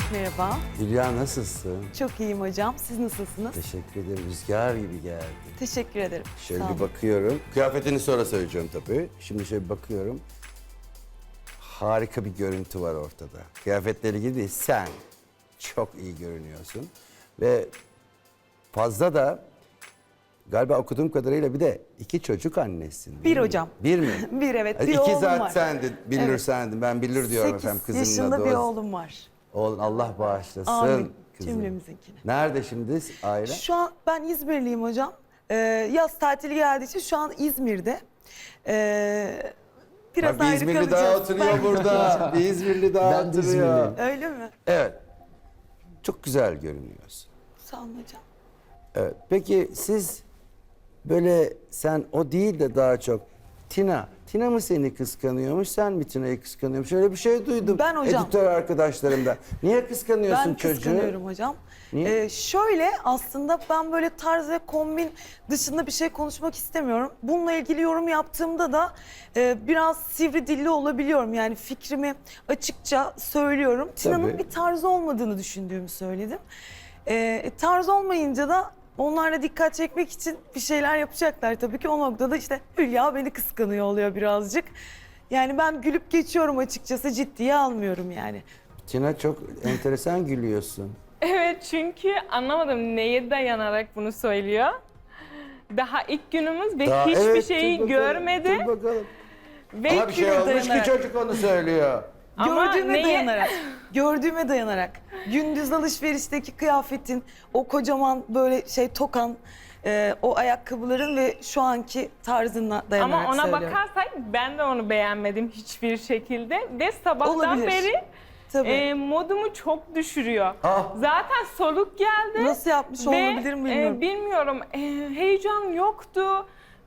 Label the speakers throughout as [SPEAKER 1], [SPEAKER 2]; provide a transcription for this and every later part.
[SPEAKER 1] Merhaba.
[SPEAKER 2] Hülya nasılsın?
[SPEAKER 1] Çok iyiyim hocam. Siz nasılsınız?
[SPEAKER 2] Teşekkür ederim. Rüzgar gibi geldi.
[SPEAKER 1] Teşekkür ederim.
[SPEAKER 2] Şöyle
[SPEAKER 1] Sağ
[SPEAKER 2] bir
[SPEAKER 1] olun.
[SPEAKER 2] bakıyorum. Kıyafetini sonra söyleyeceğim tabii. Şimdi şöyle bir bakıyorum. Harika bir görüntü var ortada. Kıyafetleri ilgili değil, sen çok iyi görünüyorsun. Ve fazla da galiba okuduğum kadarıyla bir de 2 çocuk annesin. değil
[SPEAKER 1] Bir
[SPEAKER 2] mi?
[SPEAKER 1] hocam.
[SPEAKER 2] Bir mi?
[SPEAKER 1] Bir evet. Bir
[SPEAKER 2] İki
[SPEAKER 1] oğlum
[SPEAKER 2] zat
[SPEAKER 1] var.
[SPEAKER 2] sendin, Billur
[SPEAKER 1] Evet.
[SPEAKER 2] sendin. Ben Billur diyorum
[SPEAKER 1] 8
[SPEAKER 2] efendim kızımın
[SPEAKER 1] yaşında
[SPEAKER 2] adı.
[SPEAKER 1] bir
[SPEAKER 2] O.
[SPEAKER 1] oğlum var.
[SPEAKER 2] Oğlum Allah bağışlasın.
[SPEAKER 1] Amin.
[SPEAKER 2] Kızım.
[SPEAKER 1] Cümlemizinkini.
[SPEAKER 2] Nerede şimdi aile?
[SPEAKER 1] Şu an ben İzmirliyim hocam. Yaz tatili geldiği için şu an İzmir'de. Biraz
[SPEAKER 2] Bak, bir
[SPEAKER 1] ayrı
[SPEAKER 2] İzmirli
[SPEAKER 1] kalacağız.
[SPEAKER 2] daha oturuyor burada. Bir İzmirli daha
[SPEAKER 3] Ben de
[SPEAKER 2] oturuyor.
[SPEAKER 3] İzmirliyim.
[SPEAKER 1] Öyle mi?
[SPEAKER 2] Evet. Çok güzel görünüyorsun.
[SPEAKER 1] Sağ olun hocam.
[SPEAKER 2] Evet. Peki siz böyle sen o değil de daha çok Tina mı seni kıskanıyormuş, sen mi Tina'yı kıskanıyormuş? Öyle bir şey duydum
[SPEAKER 1] Ben hocam.
[SPEAKER 2] editör arkadaşlarımdan. Niye kıskanıyorsun
[SPEAKER 1] Ben
[SPEAKER 2] çocuğu?
[SPEAKER 1] kıskanıyorum hocam.
[SPEAKER 2] Niye?
[SPEAKER 1] Şöyle aslında ben böyle tarz ve kombin dışında bir şey konuşmak istemiyorum. Bununla ilgili yorum yaptığımda da biraz sivri dilli olabiliyorum. Yani fikrimi açıkça söylüyorum. Tina'nın
[SPEAKER 2] Tabii.
[SPEAKER 1] bir tarzı olmadığını düşündüğümü söyledim. Tarz olmayınca da onlarla dikkat çekmek için bir şeyler yapacaklar tabii ki. O noktada işte Hülya beni kıskanıyor oluyor birazcık. Yani ben gülüp geçiyorum açıkçası, ciddiye almıyorum yani.
[SPEAKER 2] Tina çok enteresan gülüyorsun.
[SPEAKER 4] Evet, çünkü anlamadım neye dayanarak bunu söylüyor. Daha ilk günümüz ve
[SPEAKER 2] Daha-
[SPEAKER 4] hiçbir
[SPEAKER 2] evet,
[SPEAKER 4] şeyi
[SPEAKER 2] dur bakalım,
[SPEAKER 4] görmedi.
[SPEAKER 2] Dur bakalım.
[SPEAKER 4] Ve
[SPEAKER 2] Ama bir şey
[SPEAKER 1] güne
[SPEAKER 2] olmuş ki
[SPEAKER 1] dayanarak.
[SPEAKER 2] çocuk onu söylüyor.
[SPEAKER 4] Ama
[SPEAKER 1] Gördüğüme
[SPEAKER 4] neye-
[SPEAKER 1] dayanarak, gördüğüme dayanarak. Gündüz alışverişteki kıyafetin, o kocaman böyle şey tokan, o ayakkabıların ve şu anki tarzına dayanarak
[SPEAKER 4] Ama ona
[SPEAKER 1] söylüyorum.
[SPEAKER 4] bakarsak ben de onu beğenmedim hiçbir şekilde. Ve sabahtan
[SPEAKER 1] Olabilir.
[SPEAKER 4] beri
[SPEAKER 1] Tabii.
[SPEAKER 4] modumu çok düşürüyor.
[SPEAKER 2] Ah.
[SPEAKER 4] Zaten soluk geldi.
[SPEAKER 1] Nasıl yapmış
[SPEAKER 4] Ve
[SPEAKER 1] olabilir mi bilmiyorum.
[SPEAKER 4] bilmiyorum, heyecan yoktu.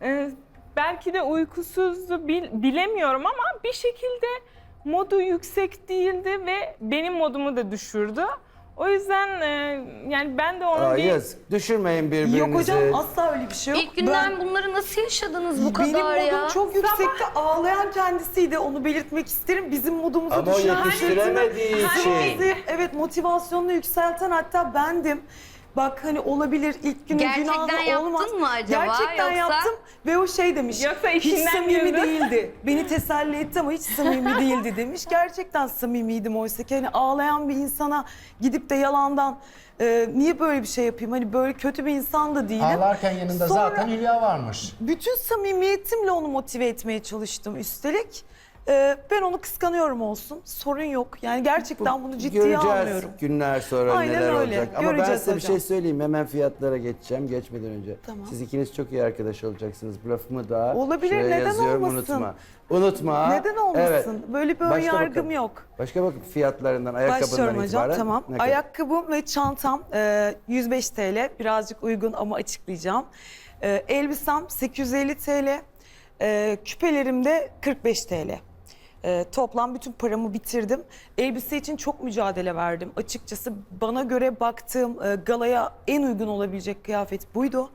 [SPEAKER 4] Belki de uykusuzdu, bilemiyorum ama bir şekilde modu yüksek değildi ve benim modumu da düşürdü. O yüzden yani ben de onu bir...
[SPEAKER 2] Yazık. Düşürmeyin birbirinizi.
[SPEAKER 1] Yok hocam asla öyle bir şey yok.
[SPEAKER 5] İlk günden bunları nasıl yaşadınız bu
[SPEAKER 1] Benim
[SPEAKER 5] kadar ya?
[SPEAKER 1] modum çok yüksekte, ağlayan kendisiydi, onu belirtmek isterim. Bizim modumuzu
[SPEAKER 2] Ama o
[SPEAKER 1] düşüren,
[SPEAKER 2] yetiştiremediği için.
[SPEAKER 1] bizi, evet, motivasyonunu yükselten hatta bendim. Bak hani olabilir ilk günü
[SPEAKER 5] Gerçekten
[SPEAKER 1] günahı
[SPEAKER 5] yaptın
[SPEAKER 1] olmaz.
[SPEAKER 5] mı acaba,
[SPEAKER 1] Gerçekten
[SPEAKER 5] yoksa?
[SPEAKER 1] yaptım ve o şey demiş.
[SPEAKER 4] Yoksa
[SPEAKER 1] hiç
[SPEAKER 4] işinden
[SPEAKER 1] samimi
[SPEAKER 4] güldü."
[SPEAKER 1] değildi. Beni teselli etti ama hiç samimi değildi demiş. Gerçekten samimiydim oysa ki hani ağlayan bir insana gidip de yalandan niye böyle bir şey yapayım? Hani böyle kötü bir insan da değilim.
[SPEAKER 3] Ağlarken yanında
[SPEAKER 1] Sonra-
[SPEAKER 3] zaten Hülya varmış.
[SPEAKER 1] Bütün samimiyetimle onu motive etmeye çalıştım üstelik. Ben onu kıskanıyorum olsun. Sorun yok. Yani gerçekten bunu ciddiye
[SPEAKER 2] Göreceğiz
[SPEAKER 1] almıyorum.
[SPEAKER 2] günler sonra
[SPEAKER 1] Aynen
[SPEAKER 2] neler
[SPEAKER 1] öyle.
[SPEAKER 2] olacak. Ama ben
[SPEAKER 1] Göreceğiz
[SPEAKER 2] size bir
[SPEAKER 1] hocam.
[SPEAKER 2] şey söyleyeyim. Hemen fiyatlara geçeceğim geçmeden önce.
[SPEAKER 1] Tamam.
[SPEAKER 2] Siz ikiniz çok iyi arkadaş olacaksınız. Bu lafımı da
[SPEAKER 1] Olabilir,
[SPEAKER 2] şuraya
[SPEAKER 1] neden
[SPEAKER 2] yazıyorum.
[SPEAKER 1] olmasın?
[SPEAKER 2] Unutma. Unutma.
[SPEAKER 1] Neden olmasın?
[SPEAKER 2] Evet.
[SPEAKER 1] Böyle bir ön
[SPEAKER 2] Başka
[SPEAKER 1] yargım
[SPEAKER 2] bakalım.
[SPEAKER 1] yok.
[SPEAKER 2] Başka bakın fiyatlarından, ayakkabından
[SPEAKER 1] Başlıyorum hocam.
[SPEAKER 2] itibaren.
[SPEAKER 1] Tamam.
[SPEAKER 2] ne kadar?
[SPEAKER 1] Ayakkabım ve çantam 105 TL. Birazcık uygun ama açıklayacağım. Elbisem 850 TL. Küpelerim de 45 TL. Toplam bütün paramı bitirdim. Elbise için çok mücadele verdim. Açıkçası bana göre baktığım galaya en uygun olabilecek kıyafet buydu.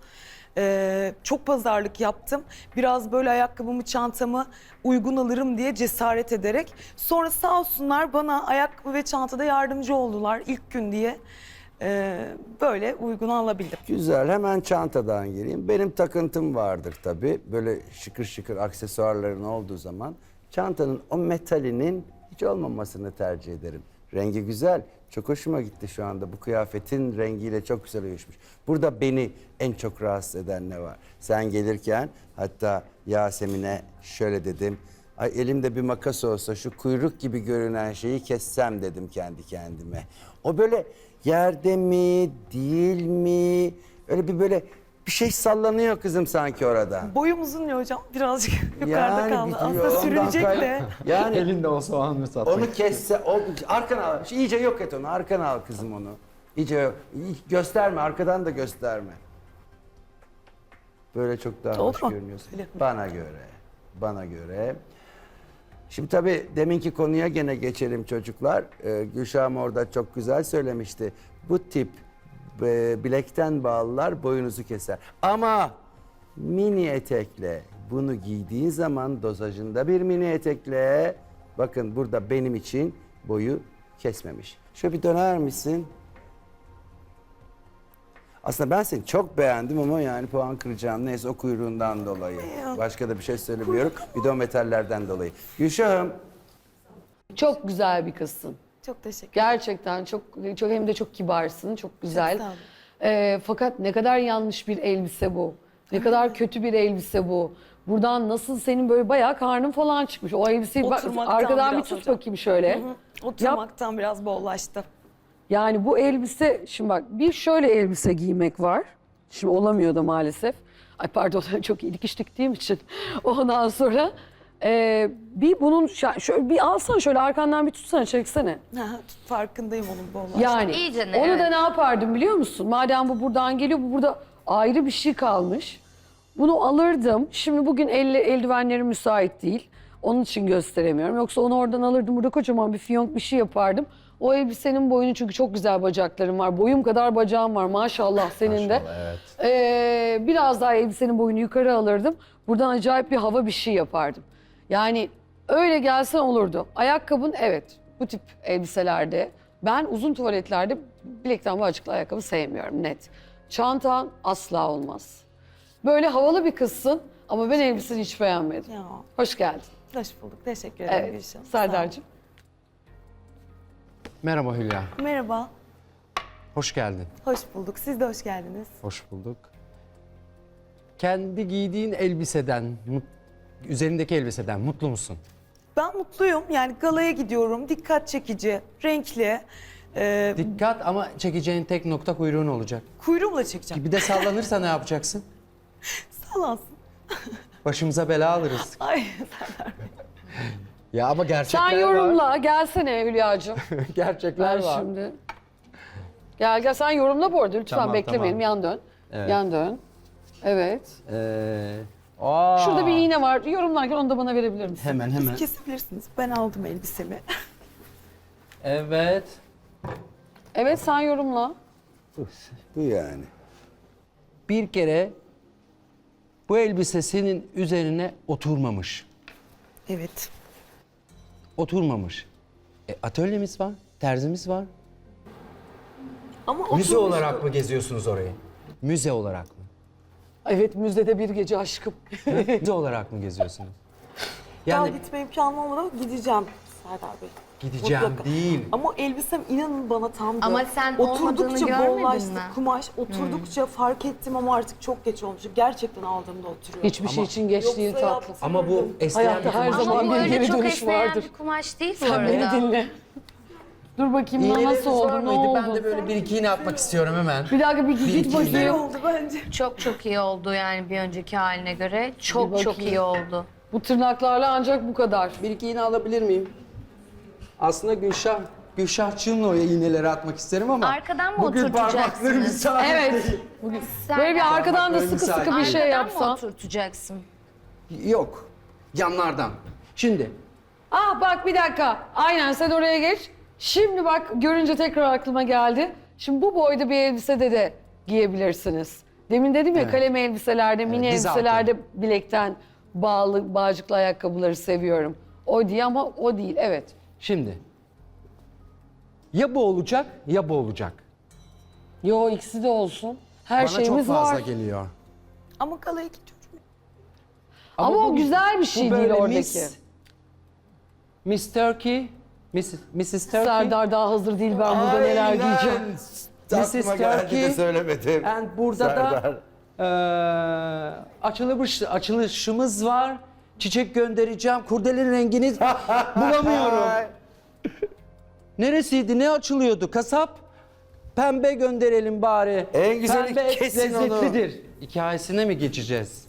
[SPEAKER 1] Çok pazarlık yaptım. Biraz böyle ayakkabımı, çantamı uygun alırım diye cesaret ederek. Sonra sağ olsunlar bana ayakkabı ve çantada yardımcı oldular ilk gün diye. Böyle uygun alabildim.
[SPEAKER 2] Güzel. Hemen çantadan gireyim. Benim takıntım vardır tabii. Böyle şıkır şıkır aksesuarların olduğu zaman çantanın o metalinin hiç olmamasını tercih ederim. Rengi güzel. Çok hoşuma gitti şu anda. Bu kıyafetin rengiyle çok güzel uyuşmuş. Burada beni en çok rahatsız eden ne var? Sen gelirken hatta Yasemin'e şöyle dedim. Ay elimde bir makas olsa şu kuyruk gibi görünen şeyi kessem dedim kendi kendime. O böyle yerde mi, değil mi? Öyle bir böyle bir şey sallanıyor kızım sanki orada.
[SPEAKER 1] Boyum uzun ya hocam. Birazcık yukarıda kaldı.
[SPEAKER 2] bitiyor,
[SPEAKER 1] Aslında
[SPEAKER 2] ondan
[SPEAKER 1] sürecek de.
[SPEAKER 2] Yani
[SPEAKER 3] Elinde olsa o an mı satmak?
[SPEAKER 2] onu kesse, arkana al. İyice yok et onu, arkana al kızım onu. İyice yok. Gösterme, arkadan da gösterme. Böyle çok daha
[SPEAKER 1] Oldu
[SPEAKER 2] hoş
[SPEAKER 1] mu?
[SPEAKER 2] görünüyorsun.
[SPEAKER 1] Öyle.
[SPEAKER 2] Bana göre. Şimdi tabii deminki konuya gene geçelim çocuklar. Gülşah'ım orada çok güzel söylemişti. Bu tip bilekten bağlılar boyunuzu keser. Ama mini etekle bunu giydiğin zaman dozajında bir mini etekle bakın burada benim için boyu kesmemiş. Şöyle bir döner misin? Aslında ben seni çok beğendim ama yani puan kıracağım. Neyse o kuyruğundan dolayı. Başka da bir şey söylemiyorum. Bir de o metallerden dolayı. Gülşah'ım.
[SPEAKER 6] Çok güzel bir kızsın.
[SPEAKER 1] Çok teşekkür ederim.
[SPEAKER 6] Gerçekten çok hem de çok kibarsın, çok güzel.
[SPEAKER 1] sağ olun.
[SPEAKER 6] Fakat ne kadar yanlış bir elbise bu. Ne kadar kötü bir elbise bu. Buradan nasıl senin böyle bayağı karnın falan çıkmış. O elbiseyi bak,
[SPEAKER 1] Oturmaktan
[SPEAKER 6] arkadan bir
[SPEAKER 1] biraz
[SPEAKER 6] tut
[SPEAKER 1] hocam.
[SPEAKER 6] bakayım şöyle.
[SPEAKER 1] Oturmaktan biraz bollaştı.
[SPEAKER 6] Yani bu elbise, şimdi bak bir şöyle elbise giymek var. Şimdi olamıyor da maalesef. Ay pardon çok iyi dikiş diktiğim için. Ondan sonra bir bunun şöyle bir alsan şöyle arkandan bir tutsana çeksene.
[SPEAKER 1] Farkındayım onun bollaştı.
[SPEAKER 6] Yani
[SPEAKER 5] İyice ne,
[SPEAKER 6] onu
[SPEAKER 5] evet.
[SPEAKER 6] da ne yapardım biliyor musun? Madem bu buradan geliyor, bu burada ayrı bir şey kalmış. Bunu alırdım. Şimdi bugün eldivenlerim müsait değil. Onun için gösteremiyorum. Yoksa onu oradan alırdım. Burada kocaman bir fiyonk bir şey yapardım. O elbisenin boyunu çünkü çok güzel bacaklarım var. Boyum kadar bacağım var maşallah senin de. Biraz daha elbisenin boyunu yukarı alırdım. Buradan acayip bir hava bir şey yapardım. Yani öyle gelsen olurdu. Ayakkabın evet bu tip elbiselerde. Ben uzun tuvaletlerde bilekten bağcıklı ayakkabı sevmiyorum net. Çantan asla olmaz. Böyle havalı bir kızsın ama ben elbiseni hiç beğenmedim.
[SPEAKER 1] Ya,
[SPEAKER 6] Hoş geldin.
[SPEAKER 1] hoş bulduk. Teşekkür ederim
[SPEAKER 6] Evet,
[SPEAKER 1] Gülşah. Sağ ol.
[SPEAKER 6] Serdar'cığım.
[SPEAKER 3] Merhaba Hülya.
[SPEAKER 1] Merhaba.
[SPEAKER 3] Hoş geldin.
[SPEAKER 1] Hoş bulduk. Siz de hoş geldiniz.
[SPEAKER 3] Hoş bulduk. Kendi giydiğin elbiseden, üzerindeki elbiseden mutlu musun?
[SPEAKER 1] Ben mutluyum. Yani galaya gidiyorum. Dikkat çekici, renkli.
[SPEAKER 3] Dikkat ama çekeceğin tek nokta kuyruğun olacak.
[SPEAKER 1] Kuyruğumla çekeceğim.
[SPEAKER 3] Bir de sallanırsa ne yapacaksın?
[SPEAKER 1] Salansın.
[SPEAKER 3] Başımıza bela alırız.
[SPEAKER 1] Ay,
[SPEAKER 3] Ya ama gerçekler
[SPEAKER 6] Sen
[SPEAKER 3] var.
[SPEAKER 6] yorumla. Gelsene Hülya'cığım.
[SPEAKER 3] Gerçekler
[SPEAKER 6] Ben
[SPEAKER 3] var.
[SPEAKER 6] şimdi. Gel sen yorumla bu arada lütfen
[SPEAKER 3] Tamam,
[SPEAKER 6] beklemeyelim.
[SPEAKER 3] tamam.
[SPEAKER 6] Yan dön.
[SPEAKER 3] Evet.
[SPEAKER 6] Yan dön. Evet.
[SPEAKER 3] Aa.
[SPEAKER 6] Şurada bir iğne var. Yorumlarken onu da bana verebilir misin?
[SPEAKER 3] Hemen.
[SPEAKER 1] kesebilirsiniz. Ben aldım elbisemi.
[SPEAKER 3] Evet.
[SPEAKER 6] Evet sen yorumla.
[SPEAKER 2] Bu yani.
[SPEAKER 3] Bir kere bu elbise senin üzerine oturmamış.
[SPEAKER 1] Evet.
[SPEAKER 3] Oturmamış. Atölyemiz var, terzimiz var.
[SPEAKER 1] Ama
[SPEAKER 3] Müze
[SPEAKER 1] oturmuş.
[SPEAKER 3] olarak mı geziyorsunuz orayı? Müze olarak mı?
[SPEAKER 6] Evet müzdede bir gece aşkım.
[SPEAKER 3] Müze olarak mı geziyorsunuz?
[SPEAKER 1] Daha
[SPEAKER 3] Yani
[SPEAKER 1] gitme imkanım olmadı ama gideceğim Serdar Bey.
[SPEAKER 3] gideceğim
[SPEAKER 1] Mutlaka.
[SPEAKER 3] değil.
[SPEAKER 1] Ama elbisem inanın bana tamdı.
[SPEAKER 5] Ama sen olmadığını görmedin mi?
[SPEAKER 1] Kumaş oturdukça fark ettim ama artık çok geç olmuş. Gerçekten aldığımda oturuyor.
[SPEAKER 6] Hiçbir şey için geç değil
[SPEAKER 1] Yoksa
[SPEAKER 6] tatlım.
[SPEAKER 3] Ama bu esneyen
[SPEAKER 6] Hayatta
[SPEAKER 3] bir
[SPEAKER 6] her
[SPEAKER 3] kumaş
[SPEAKER 6] zaman
[SPEAKER 5] Ama
[SPEAKER 3] değil.
[SPEAKER 6] bir
[SPEAKER 5] öyle
[SPEAKER 6] geri
[SPEAKER 5] çok
[SPEAKER 6] dönüş
[SPEAKER 5] esneyen
[SPEAKER 6] vardır.
[SPEAKER 5] bir kumaş değil bu
[SPEAKER 6] Sen beni
[SPEAKER 5] arada.
[SPEAKER 6] dinle. Dur bakayım
[SPEAKER 3] İğneleriniz
[SPEAKER 6] nasıl oldu,
[SPEAKER 3] var
[SPEAKER 6] ne
[SPEAKER 3] mıydı?
[SPEAKER 6] oldu?
[SPEAKER 3] Ben de böyle bir iki iğne atmak istiyorum hemen.
[SPEAKER 6] Bir dakika bir git
[SPEAKER 3] iki
[SPEAKER 1] İyi
[SPEAKER 6] bakayım.
[SPEAKER 1] oldu bence.
[SPEAKER 5] Çok iyi oldu yani bir önceki haline göre.
[SPEAKER 6] Bir
[SPEAKER 5] Çok
[SPEAKER 6] bakayım.
[SPEAKER 5] iyi oldu.
[SPEAKER 6] Bu tırnaklarla ancak bu kadar.
[SPEAKER 3] Bir iki iğne alabilir miyim? Aslında Gülşahçığımla oraya iğneleri atmak isterim ama
[SPEAKER 5] Arkadan mı
[SPEAKER 3] bugün parmaklarım
[SPEAKER 5] oturtacaksınız?
[SPEAKER 3] müsait
[SPEAKER 6] Evet.
[SPEAKER 3] değil.
[SPEAKER 5] Sen
[SPEAKER 6] Böyle bir arkadan da
[SPEAKER 3] Parmaklarım
[SPEAKER 6] sıkı sıkı bir
[SPEAKER 3] müsait.
[SPEAKER 6] şey
[SPEAKER 5] arkadan mı
[SPEAKER 6] yapsan.
[SPEAKER 5] oturtacaksın?
[SPEAKER 3] Yok. Yanlardan. Şimdi
[SPEAKER 6] Ah bak bir dakika. Aynen sen oraya geç. Şimdi bak görünce tekrar aklıma geldi. Şimdi bu boyda bir elbisede de giyebilirsiniz. Demin dedim ya
[SPEAKER 3] Evet.
[SPEAKER 6] kalem elbiselerde, mini
[SPEAKER 3] diz altı.
[SPEAKER 6] elbiselerde bilekten bağcıklı ayakkabıları seviyorum. O diye ama o değil evet.
[SPEAKER 3] Şimdi. Ya bu olacak ya bu olacak.
[SPEAKER 6] Yo ikisi de olsun. Her
[SPEAKER 3] Bana çok
[SPEAKER 6] şeyimiz
[SPEAKER 3] fazla
[SPEAKER 6] var.
[SPEAKER 3] geliyor.
[SPEAKER 1] Ama galaya gidiyorum.
[SPEAKER 6] Ama o güzel bir şey
[SPEAKER 3] bu
[SPEAKER 6] değil
[SPEAKER 3] böyle
[SPEAKER 6] oradaki.
[SPEAKER 3] Miss Turkey, Mrs. Turkey.
[SPEAKER 6] Serdar daha hazır değil ben burada neler giyeceğim.
[SPEAKER 3] Mrs.
[SPEAKER 2] Aklıma geldi de
[SPEAKER 3] Turkey.
[SPEAKER 2] söylemedim.
[SPEAKER 3] And burada
[SPEAKER 2] Serdar.
[SPEAKER 3] da açılışımız var. Çiçek göndereceğim. Kurdelenin rengini bulamıyorum. Neresiydi? Ne açılıyordu? Kasap. Pembe gönderelim bari.
[SPEAKER 2] En güzeli
[SPEAKER 3] Pembe
[SPEAKER 2] kesin onu.
[SPEAKER 3] lezzetlidir. Hikayesine mi geçeceğiz?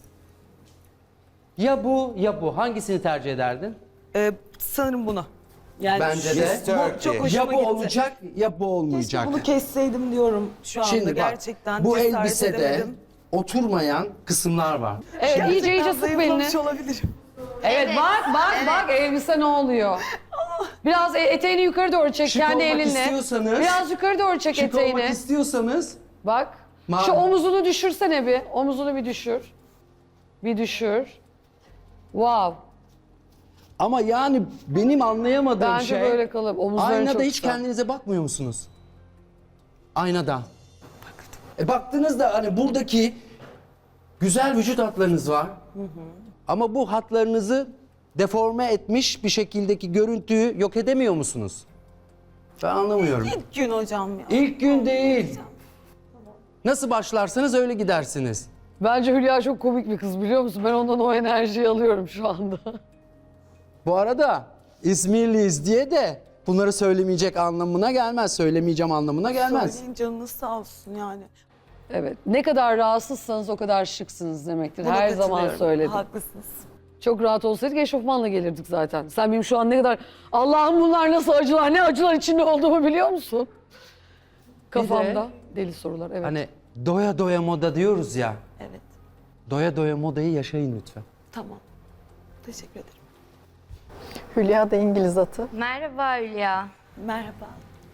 [SPEAKER 3] Ya bu ya bu. Hangisini tercih ederdin?
[SPEAKER 1] Sanırım bunu. Yani
[SPEAKER 3] Bence de.
[SPEAKER 2] Miss Turkey.
[SPEAKER 1] çok hoşuma
[SPEAKER 3] Ya bu
[SPEAKER 1] gitti.
[SPEAKER 3] olacak ya bu olmayacak.
[SPEAKER 1] Keşke bunu kesseydim diyorum şu anda
[SPEAKER 3] Şimdi bak,
[SPEAKER 1] gerçekten.
[SPEAKER 3] bu
[SPEAKER 1] cesaret
[SPEAKER 3] elbisede
[SPEAKER 1] edemedim.
[SPEAKER 3] oturmayan kısımlar var.
[SPEAKER 6] Evet iyice
[SPEAKER 1] Gerçekten
[SPEAKER 6] sık belini.
[SPEAKER 1] zayıflamış olabilirim.
[SPEAKER 6] Evet, bak elbise ne oluyor? Biraz eteğini yukarı doğru çek
[SPEAKER 3] Şık
[SPEAKER 6] kendi
[SPEAKER 3] olmak
[SPEAKER 6] elinle.
[SPEAKER 3] istiyorsanız-
[SPEAKER 6] Biraz yukarı doğru çek
[SPEAKER 3] Şık
[SPEAKER 6] eteğini.
[SPEAKER 3] olmak istiyorsanız
[SPEAKER 6] Bak. Şu omuzunu düşürsene bir. Omuzunu bir düşür. Bir düşür. Wow.
[SPEAKER 3] Ama yani benim anlayamadığım
[SPEAKER 6] Bence
[SPEAKER 3] şey...
[SPEAKER 6] böyle kalıp omuzların
[SPEAKER 3] Aynada
[SPEAKER 6] çok
[SPEAKER 3] hiç
[SPEAKER 6] kısa.
[SPEAKER 3] kendinize bakmıyor musunuz? Aynada. Baktığınızda hani buradaki güzel vücut hatlarınız var. Ama bu hatlarınızı deforme etmiş bir şekildeki görüntüyü yok edemiyor musunuz? Ben anlamıyorum.
[SPEAKER 1] İlk gün hocam ya.
[SPEAKER 3] İlk gün değil. Nasıl başlarsanız öyle gidersiniz.
[SPEAKER 6] Bence Hülya çok komik bir kız biliyor musun? Ben ondan o enerjiyi alıyorum şu anda.
[SPEAKER 3] Bu arada İzmirliyiz diye de bunları söylemeyecek anlamına gelmez. Söylemeyeceğim anlamına gelmez.
[SPEAKER 1] Söyleyin, canınız sağ olsun yani.
[SPEAKER 6] Evet. Ne kadar rahatsızsanız o kadar şıksınız demektir.
[SPEAKER 1] Buna
[SPEAKER 6] Her zaman
[SPEAKER 1] katılıyorum.
[SPEAKER 6] söyledim.
[SPEAKER 1] Haklısınız.
[SPEAKER 6] Çok rahat olsaydık eşofmanla gelirdik zaten. Sen benim şu an ne kadar Allah'ım bunlar nasıl acılar, ne acılar içinde olduğumu biliyor musun? Kafamda deli sorular. Evet.
[SPEAKER 3] Hani doya doya moda diyoruz ya.
[SPEAKER 1] Evet.
[SPEAKER 3] Doya doya modayı yaşayın lütfen.
[SPEAKER 1] Tamam. Teşekkür ederim.
[SPEAKER 7] Hülya da İngiliz atı.
[SPEAKER 5] Merhaba Hülya.
[SPEAKER 1] Merhaba.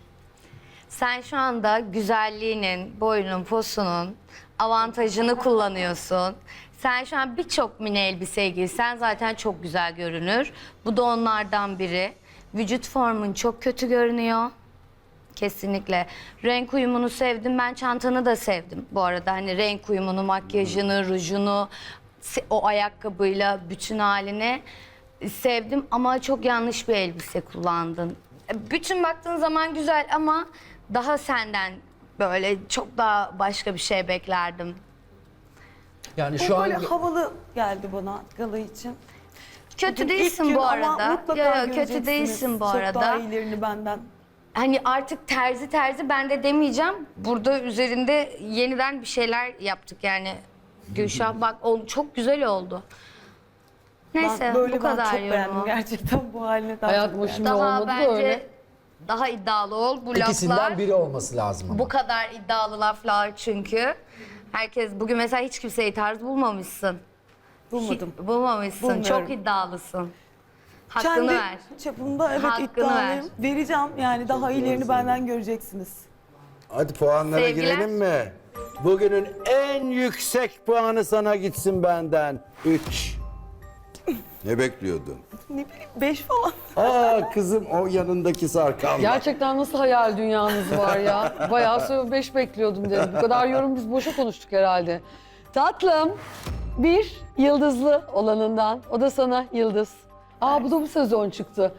[SPEAKER 5] Sen şu anda güzelliğinin, boyunun, posunun avantajını kullanıyorsun. Sen şu an birçok mini elbise giysen zaten çok güzel görünür. Bu da onlardan biri. Vücut formun çok kötü görünüyor. Kesinlikle. Renk uyumunu sevdim. Ben çantanı da sevdim bu arada. Hani renk uyumunu, makyajını, rujunu, o ayakkabıyla bütün halini sevdim. Ama çok yanlış bir elbise kullandın. Bütün baktığın zaman güzel ama daha senden böyle çok daha başka bir şey beklerdim.
[SPEAKER 3] Yani
[SPEAKER 1] Bu böyle havalı geldi bana gala için.
[SPEAKER 5] Kötü
[SPEAKER 1] Bugün
[SPEAKER 5] değilsin
[SPEAKER 1] ilk gün
[SPEAKER 5] bu
[SPEAKER 1] ama
[SPEAKER 5] arada.
[SPEAKER 1] mutlaka
[SPEAKER 5] Yo, kötü
[SPEAKER 1] göreceksiniz.
[SPEAKER 5] değilsin bu
[SPEAKER 1] Çok
[SPEAKER 5] arada.
[SPEAKER 1] daha iyilerini benden.
[SPEAKER 5] Hani artık terzi ben de demeyeceğim. Burada üzerinde yeniden bir şeyler yaptık yani. Gülşah bak çok güzel oldu. Neyse
[SPEAKER 1] Ben böyle
[SPEAKER 5] bu kadar
[SPEAKER 1] çok beğendim
[SPEAKER 5] yorumu.
[SPEAKER 1] gerçekten bu haline daha
[SPEAKER 6] Hayat
[SPEAKER 1] çok
[SPEAKER 6] bu
[SPEAKER 1] beğendim.
[SPEAKER 6] şimdi
[SPEAKER 5] Daha
[SPEAKER 6] olmadı da
[SPEAKER 5] bence
[SPEAKER 6] öyle.
[SPEAKER 5] daha iddialı ol. Bu
[SPEAKER 3] İkisinden
[SPEAKER 5] laflar
[SPEAKER 3] biri olması lazım ama.
[SPEAKER 5] bu kadar iddialı laflar çünkü. Herkes bugün mesela hiç kimseyi tarz bulmamışsın.
[SPEAKER 1] Bulmadım.
[SPEAKER 5] Bulmamışsın.
[SPEAKER 1] Bulmuyorum.
[SPEAKER 5] Çok iddialısın. Hakkını
[SPEAKER 1] Kendi
[SPEAKER 5] ver.
[SPEAKER 1] çapımda evet
[SPEAKER 5] Hakkını
[SPEAKER 1] iddialıyım.
[SPEAKER 5] ver.
[SPEAKER 1] Vereceğim yani daha iyilerini benden göreceksiniz.
[SPEAKER 2] Hadi puanlara
[SPEAKER 5] Sevgiler.
[SPEAKER 2] girelim mi? Bugünün en yüksek puanı sana gitsin benden. 3. Ne bekliyordun?
[SPEAKER 1] Ne bileyim 5 falan.
[SPEAKER 2] Aa kızım o yanındaki sarkan.
[SPEAKER 6] Gerçekten nasıl hayal dünyanız var ya. Bayağı 5 bekliyordum dedim. Bu kadar yorum biz boşa konuştuk herhalde. Tatlım, bir yıldızlı olanından. O da sana yıldız. Aa bu da bu sezon çıktı.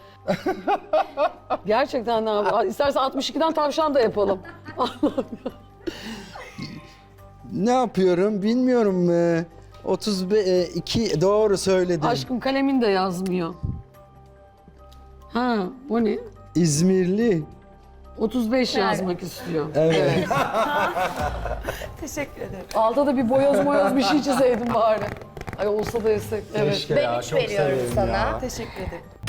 [SPEAKER 6] Gerçekten istersen 62'den tavşan da yapalım.
[SPEAKER 3] Ne yapıyorum bilmiyorum. 32 doğru söyledim.
[SPEAKER 6] Aşkım kalemin de yazmıyor. Ha bu ne?
[SPEAKER 3] İzmirli.
[SPEAKER 6] 35 yazmak istiyor.
[SPEAKER 3] Evet.
[SPEAKER 1] Teşekkür ederim.
[SPEAKER 6] Altta da bir boyoz bir şey çizeydim bari. Ay olsa da yesek. Evet.
[SPEAKER 3] Keşke
[SPEAKER 5] Ben
[SPEAKER 3] ya,
[SPEAKER 5] 3
[SPEAKER 3] çok
[SPEAKER 5] veriyorum
[SPEAKER 3] severim
[SPEAKER 5] sana.
[SPEAKER 3] ya.
[SPEAKER 1] Teşekkür ederim.